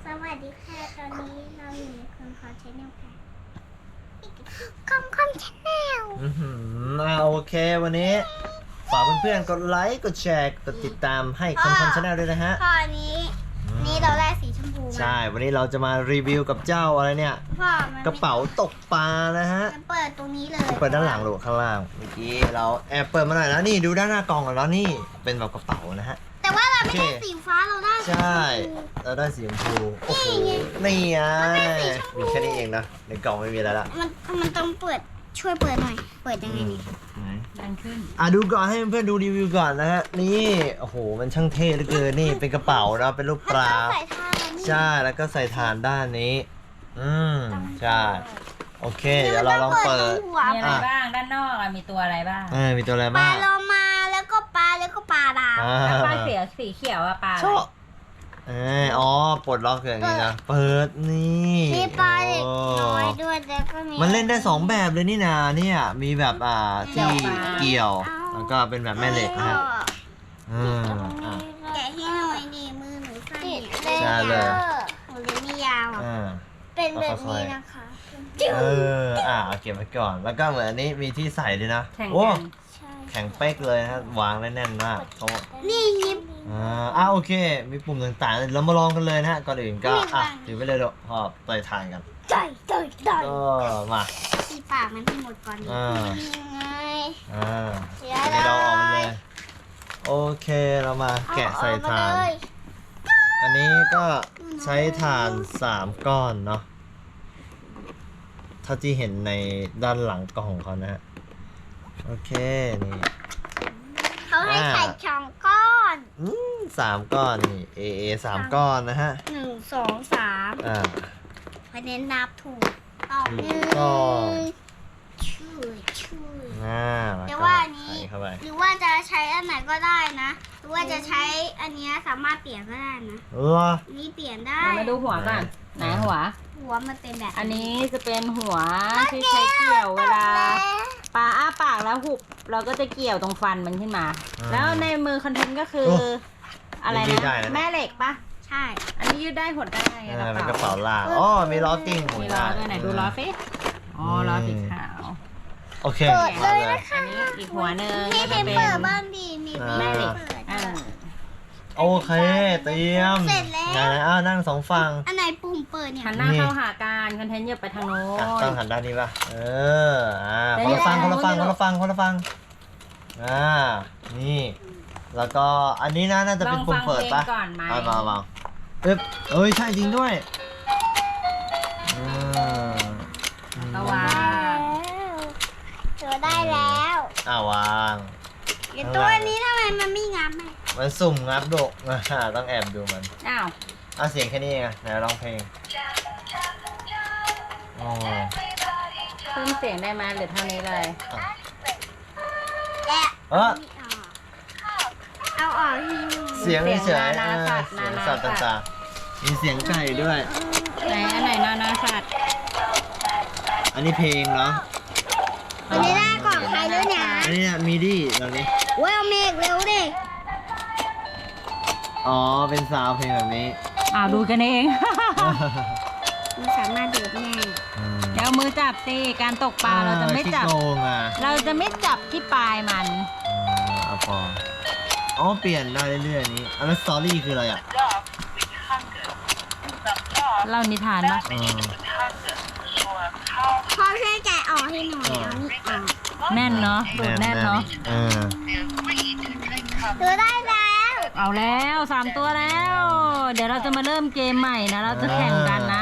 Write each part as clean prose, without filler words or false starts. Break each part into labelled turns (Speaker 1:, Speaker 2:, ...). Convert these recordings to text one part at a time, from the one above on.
Speaker 1: สวัสดีค่ะตอนนี้เราอยู่ในคอมชาแนลค่ะคอมชาแนล
Speaker 2: โอเควันนี้ฝากเพื่อนๆกดไลค์กดแชร์กดติดตามให้คอมชาแนลด้วยนะฮะ
Speaker 1: พ่อนี้นี่เราได้สีชมพูมา
Speaker 2: ใช่วันนี้เราจะมารีวิวกับเจ้าอะไรเนี่ย
Speaker 1: พ่อมัน
Speaker 2: กระเป๋าตกปลานะฮะ
Speaker 1: มันเปิดตรงนี้เลย
Speaker 2: เปิดด้านหลังหรือข้างล่างเมื่อกี้เราแอบเปิดมาหน่อยแล้วนี่ดูด้านหน้ากล่องแล้วนี่เป็นแบบกระเป๋านะฮะ
Speaker 1: แต่ว่าเราไม่ได้
Speaker 2: โอเค
Speaker 1: สีฟ้าเราได้สี
Speaker 2: ใช่
Speaker 1: ชมพู
Speaker 2: เราได้สีชมพูโอ้โหนี่ไงมีแค่นี้เองนะในกล่องไม่มีอะไรละ
Speaker 1: มันต้องเปิดช่วยเปิดหน่อย เปิดยังไงนี่
Speaker 3: ดังขึ้น
Speaker 2: ดูก่อนให้เพื่อนๆดูรีวิวก่อนนะฮะนี่โอ้โหมันช่างเท่เหลือเกินนี่เป็นกระเป๋านะเป็นรูปปลา
Speaker 1: ใส่ทานแล้วนี่
Speaker 2: ใช่แล้วก็ใส่ฐานด้านนี้ใช่โอเคเดี๋ยวเราลองเปิด
Speaker 1: ตรงหัว
Speaker 3: มีอะไรบ้างด้านนอกอะมีตัวอะไรบ้าง
Speaker 2: มีตัวอะไร
Speaker 1: ปลา
Speaker 2: บ้าง
Speaker 1: โลมาแล้วก็ปลาดาว
Speaker 3: แล้วปลาสีเขียวอะปลาอะไร
Speaker 2: ชอบอ๋อปลดล็อกอย่างนี้นะเปิดนี่
Speaker 1: มีปลาเด็ก
Speaker 2: โอ้
Speaker 1: น้อยด้วยแล้วก็มี
Speaker 2: มันเล่นได้สองแบบเลยนี่นาเนี่ยมีแบบที่เกี่ยวแล้วก็เป็นแบบแม่เหล็กนะฮะอ่า
Speaker 1: แกะให้หน่อยดิมือหนูสั้นเนี่ย
Speaker 2: ใช่เลย
Speaker 1: หนูเล็บไม่ยาวอ่ะ
Speaker 2: อ่า
Speaker 1: เป็นแบบนี้นะคะ
Speaker 2: เอาเก็บไว้ก่อน แล้วก็เหมือนอันนี้มีที่ใส่ด้วยนะ
Speaker 3: แข่ง
Speaker 2: โอ้
Speaker 3: กัน
Speaker 1: ใช่
Speaker 2: แข็งเป๊กเลยนะวางได้แน่นมากเขา
Speaker 1: นี่ยิบ
Speaker 2: โอเค มีปุ่มต่างๆเรามาลองกันเลยนะฮะก่อนอื่นก็
Speaker 1: ไม่วาง
Speaker 2: ถือไปเลยเดี๋ยวพอเตยทานกัน
Speaker 1: ได้
Speaker 2: ก็มา
Speaker 1: ที่ปากมันให้หมดก่อนดิ
Speaker 2: อ่า
Speaker 1: ยังไง
Speaker 2: อันนี้เราออกมาเลย โอเคเรามาแกะใส่ถ่าน
Speaker 1: เอมเลย
Speaker 2: อันนี้ก็ใช้ถ่าน3ก้อนเนาะเท่าที่เห็นในด้านหลังกล่องของเขานะฮะโอเคนี่
Speaker 1: เขาให้ใส่ช่องก้อน
Speaker 2: 3ก้อนนี่3ก้อนนะฮะ
Speaker 1: 1 2 3
Speaker 2: อ่า
Speaker 1: พอเน้นนับถูกต่อหนึ่ง
Speaker 2: ก็
Speaker 1: ช่วย
Speaker 2: แล้ว
Speaker 1: แต่
Speaker 2: ก็
Speaker 1: ว่าอันนี้
Speaker 2: ใส่เข้าไป
Speaker 1: หรือว่าจะใช้อันไหนก็ได้นะ หรือว่าจะใช้อันเนี้ยสามารถเปลี่ยนก็ได้นะ
Speaker 2: เหรอ
Speaker 1: อันนี้เปลี่ยนได้
Speaker 3: เรามาดูหัวก่อนไหนหัว
Speaker 1: หัวมันเป็นแบบ
Speaker 3: อันนี้จะเป็นหัวที่ใช้เกี่ยวเวลาปลาอ้าปากแล้วหุบเราก็จะเกี่ยวตรงฟันมันขึ้นมา แล้วในมือคอนเทนต์ก็คืออะไร
Speaker 2: ยืดได้นะ
Speaker 3: นะแม่เหล็กปะ
Speaker 1: ใช่
Speaker 3: อันนี้ยืดได้หดได้
Speaker 2: เป็นกระเป๋าล่างอ๋อมีล้อกิ้งหมุน
Speaker 3: มีล้อ
Speaker 2: ได้
Speaker 3: ด้วยไหนดูล้อฟิอ๋อล้อสีขาว
Speaker 2: โอเค
Speaker 1: เปิดเลย
Speaker 2: มา
Speaker 1: นะคะ
Speaker 3: อันนี้อีกหัวหนึ่ง
Speaker 1: นี่
Speaker 3: ก็
Speaker 1: เป็
Speaker 3: จะ
Speaker 1: น
Speaker 3: เป็น
Speaker 1: เปิดบ้างดีมี
Speaker 3: แม่เหล็ก
Speaker 1: เปิด
Speaker 3: อ่า
Speaker 2: โอเคเตรียม
Speaker 1: เสร็จแล้ว
Speaker 2: ไหนนั่ง2ฝั่ง
Speaker 1: อันไหนปุ่มเปิดเนี่ย
Speaker 3: หันหน้าเข้าหากันคอนเทนต์อย่าไปทางโน้น
Speaker 2: ต้องหันด้านนี้ป่ะ
Speaker 3: เดี๋
Speaker 2: ค
Speaker 3: ยวน
Speaker 2: ละฝั่ง
Speaker 3: เดี๋
Speaker 2: ค
Speaker 3: ย
Speaker 2: น
Speaker 3: ว
Speaker 2: ละฝั่งคนละฝั่งคนละฝั่งนี่ แล้วก็อันนี้น่าจะเป็นปุ่มเปิดป่ะ
Speaker 3: ลองฟังเพลงก่อนไหม
Speaker 2: มาเอ้ยใช่จริงด้วย
Speaker 3: ระวัง
Speaker 1: เจอได้แล้ว
Speaker 2: วาง
Speaker 1: เดี๋ยวตัวนี้ทำไมมันไม่งับอ่ะ
Speaker 2: มันสุ่มงับดกต้องแอบดูมัน
Speaker 3: อ้าว
Speaker 2: เสียงแค่นี้เองไหนร้องเพลงอ๋อ
Speaker 3: เพิ่มเสียงได้ไหมหรือเท่านี้เลย
Speaker 1: แกะ เอาออกทีนึง
Speaker 2: เสียงเฉยๆเสียงสัตว์ต่างๆมีเสียงไก่ด้วย
Speaker 3: ไหนอันไหนนานาสัตว์
Speaker 2: อันนี้เพลงเนาะ
Speaker 1: อันนี้ได้ก่อนใครด้วยเนี่ย
Speaker 2: อันนี้มีดี้ตรงนี้
Speaker 1: เว้ยเอาเมฆเร็วดิ
Speaker 2: อ๋อเป็นซาวด์เพลงแบบนี้
Speaker 3: ดูกันเอง
Speaker 1: มันสามารถดูดแน่
Speaker 3: เดี๋ยวมือจับสิการตกปลาเราจะไม่จับ
Speaker 2: ขี้โกงอ่ะ
Speaker 3: เราจะไม่จับที่ปลายมัน
Speaker 2: เอาพอเปลี่ยนได้เรื่อยๆนี้อันนั้นสตอรี่คืออะไรอ่ะ
Speaker 3: เล่านิทานปะ
Speaker 1: พ่อช่วยแกะออกให้หน่อยเอานี่ออก
Speaker 3: แน่นเนาะดูดแน่นเนาะ
Speaker 1: ดูได้แล้ว
Speaker 3: เอาแล้ว3 ตัวแล้ว เดี๋ยวเราจะมาเริ่มเกมใหม่นะเราจะแข่งกันนะ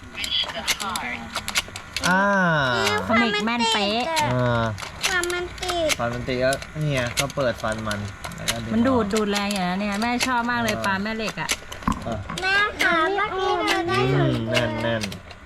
Speaker 3: ขมิกแม่นเป๊ะ
Speaker 1: ความมันติด
Speaker 2: ฟันมันตีก็เนี่ยก็เปิดฟันมันแล้วก็
Speaker 3: มันดูดแรงอย่างนั้นเนี่ยแม่ชอบมากเลยปลาแม่เหล็กอ่ะ
Speaker 1: แม่ขาเมื่อกี้เราได้
Speaker 2: แน่น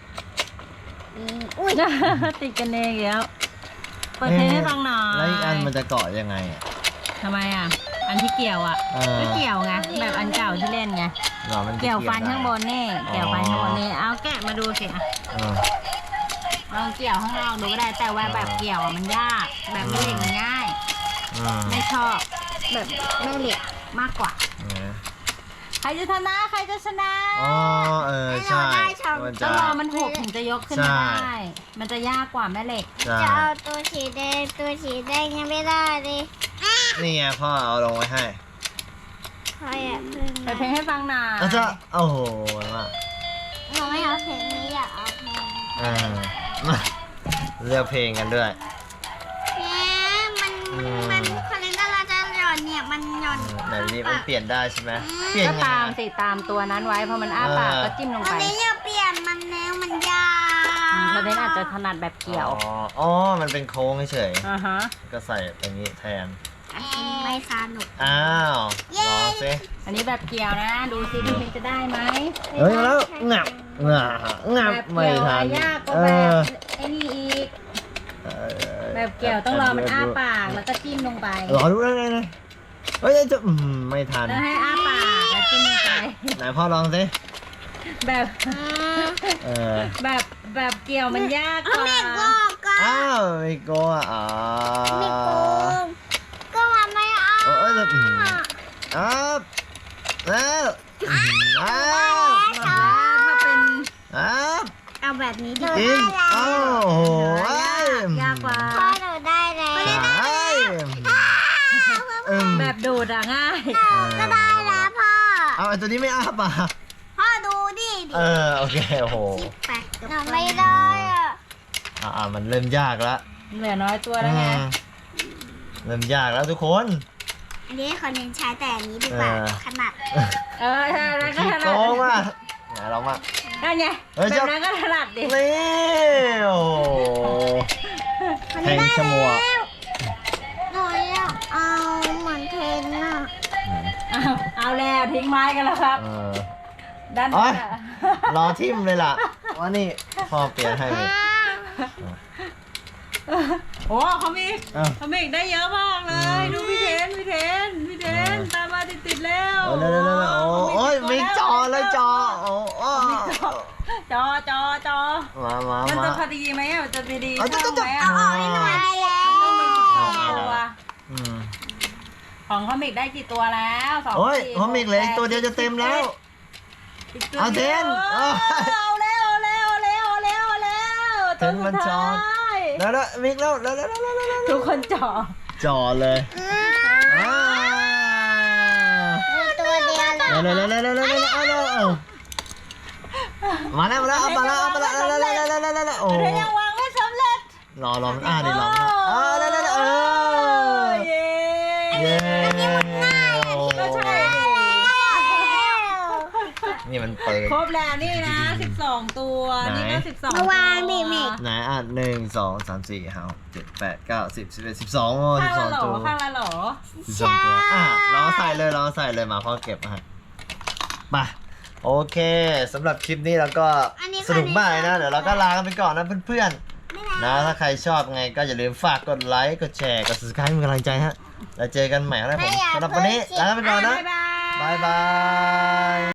Speaker 1: อุ้ย
Speaker 3: ติดกันเองแล้วเปิดเพลงให้ฟังหน่อย
Speaker 2: แล้วอีกอันมันจะเกาะยังไงอ่ะ
Speaker 3: ทำไมอ่ะอันที่เกี่ยวอ่ะก็เกี่ยวไงแบบอันเก่าที่เล่นไง
Speaker 2: มัน
Speaker 3: เกี่ยวฟันข้างบนนี่เกี่ยวฟันข้างบนนี่เอาแกะมาดูสิอ่ะลองเกี่ยวข้างนอกดูก็ได้แต่ว่าแบบเกี่ยวมันยากแบบแม่เหล็กมันง่ายไม่ชอบแบบแม่เหล็กมากกว่า ใครจะชนะใครจะชนะ
Speaker 2: ใช่
Speaker 1: ได้ช่อง
Speaker 2: มัน
Speaker 3: ต้
Speaker 2: จะ
Speaker 3: องรอมันหกถึงจะยกขึ้นมาได้ มันจะยากกว่าแม่เหล็ก
Speaker 2: ใช่
Speaker 1: จะเอาตัวสีแดงยังไม่ได้เลย
Speaker 2: นี่ไงพ่อเอาลงไว้ให้
Speaker 1: พออย่าเพิ่ง
Speaker 3: เปิดเพลงให้ฟังหน่อย
Speaker 2: แล้วจะโอ้โหมา
Speaker 1: หนูไม่เอาเพลงนี้อยากเอาเพลง
Speaker 2: มาเลือกเพลงกันด้วย
Speaker 1: เนี่ยมันคอนเทนต์เราจะหย่อนเนี่ยมันหย่อน
Speaker 2: ไหนนี่มันเปลี่ยนได้ใช่ไหมเปลี่ยน
Speaker 3: ก็
Speaker 2: ยังไง
Speaker 3: ตามสิตามตัวนั้นไว้พอมันอ้าปากก็จิ้มลง
Speaker 1: อั
Speaker 3: ไป
Speaker 1: นนี้อย่าเปลี่ยนมันแล้วมันยาก
Speaker 3: เธอเดนอาจจะถนัดแบบเกี่ยว
Speaker 2: อ๋อ มันเป็นโค้งเฉย
Speaker 3: อ่าฮะ
Speaker 2: ๆก็ใส่ตรงนี้แทน
Speaker 1: ไม่สนุก
Speaker 2: อ้าวลองสิ
Speaker 3: อันนี้แบบเกี่ยวนะ ดูซิพี่เพลงจะได้ไหม
Speaker 2: เฮ้ยมาแล้วงับงับ
Speaker 3: แบบ
Speaker 2: ไม่
Speaker 3: เกี่ยว
Speaker 2: ทัน
Speaker 3: ยากก็
Speaker 2: เอ
Speaker 3: แบ
Speaker 2: อบ
Speaker 3: ไอ้นี่อีก
Speaker 2: เออ
Speaker 3: แบบเกี่ยวต้องรอมันอ้าปากแล้วก็จิ้มลงไป
Speaker 2: รอดูได้ไงนะเฮ้ยจะไม่ทัน
Speaker 3: แล้วให้อ้าปากแล้วจิ้มลงไป
Speaker 2: ไหนพ่อลองสิ
Speaker 3: แบบ
Speaker 2: เออ
Speaker 3: แบบเกี่ยวมันยากกว่า
Speaker 1: ไม่โกงก็
Speaker 2: อ้าวไม่โกงอ่ะ
Speaker 1: ไม่โกงก็มันไม่เอา
Speaker 2: เอ้ยจะอ้าวแล้วอ้าว
Speaker 3: แล้วถ้าเป็น
Speaker 2: อ้าว
Speaker 1: เอาแบบนี้ดี
Speaker 2: กินโอ้โห
Speaker 3: ยากกว่า
Speaker 1: พ่อหนูได้แล้ว
Speaker 3: แบบดูดอะง่าย
Speaker 1: ก็ได้แล้วพ่อ
Speaker 2: เอาไอ้ตัวนี้ไม่อ้าปาก
Speaker 1: พ่อดูดิ
Speaker 2: โอเคโอ้โห
Speaker 1: หนูไม่ได้อ่ะ
Speaker 2: มันเริ่มยากแล้ว
Speaker 3: เหลือน้อยตัวแล้วไง
Speaker 2: เริ่มยากแล้วทุกคน
Speaker 1: อันนี้คนนึงใช้แต่อันนี้ดีกว่าขนาด
Speaker 3: ใช่แล้วก็
Speaker 2: ขี้
Speaker 3: ถ
Speaker 2: โก
Speaker 3: นัด
Speaker 2: งว่ะไหนลองมา
Speaker 3: นั่นไง
Speaker 2: เฮ้ย
Speaker 3: แบบนั้นก็ถนัดดิ
Speaker 2: นี่โอ้โหแทงชมวก
Speaker 1: หนูอยากเอาเหมือนเทนน่ะ
Speaker 3: เอาแล้วทิ้งไม้กันแล้วครับ ด้าน
Speaker 2: โอ๊
Speaker 3: นั้น
Speaker 2: ย
Speaker 3: อะ
Speaker 2: รอทิมเลยล่ะว่านี่พ่อเปลี่ยนให้เลย
Speaker 3: โอ้เขามี
Speaker 2: อ้าว
Speaker 3: เขามีได้เยอะมากเลย ดูพี่เทนตามมาติดๆแล้ว
Speaker 2: เร็วโอ้ยไม่จอเลยจอโอ้โอ้
Speaker 3: จอ
Speaker 2: มา
Speaker 3: มัน
Speaker 2: มา
Speaker 3: จะพอดีไหมอะมันจะพอดี
Speaker 2: เอา
Speaker 3: ช่องไหม
Speaker 2: เอา
Speaker 3: อะ
Speaker 1: ได้แล้ว
Speaker 3: ต้องมี12ตัว
Speaker 2: อืม
Speaker 3: ของคอมิกได้กี่ตัวแล้ว2
Speaker 2: โอ้ย
Speaker 3: 4
Speaker 2: ผมอีกเหลยตัวเดียวจะเต็มแล้ว
Speaker 3: อีกตัว
Speaker 2: เอาเทน
Speaker 3: เอาแล้ว
Speaker 2: เทนมันจอ แล้วมิกแล้วแล้ว
Speaker 3: ทุกคนจอ
Speaker 2: จอเลยอ้า
Speaker 1: ตัวเดียวเลย
Speaker 2: เร็วมาแล้วเอาไปแล้วโอ้
Speaker 3: เธอยังวางไม่สำเร็จ
Speaker 2: รอมันดิรอเร็ว
Speaker 3: เย้
Speaker 2: เย้
Speaker 3: ก็ใช่
Speaker 2: นี่มันเปิด
Speaker 3: ครบแล้วนี่นะ12ตัว นี่ก็12ตัว
Speaker 1: วางดิเมก
Speaker 2: ไหน1 2 3 4 5 6 7 8 9 10 11 12โอ้
Speaker 3: ข้างละหรอ
Speaker 2: 12ตัว
Speaker 3: ข้างละหรอ
Speaker 2: 12ตัวลองใส่เลยมาพ่อเก็บมาไปโอเคสำหรับคลิปนี้เราก็สนุกมากเลยนะเดี๋ยวเราก็ลากันไปก่อนนะเพื่อนๆนะถ้าใครชอบไงก็อย่าลืมฝากกดไลค์กดแชร์กด subscribe ให้เป็นกำลังใจฮะแล้วเจอกันใหม่นะผมสำหรับวันนี้ลากันไปก่อนนะ
Speaker 3: บ๊ายบาย
Speaker 2: บาย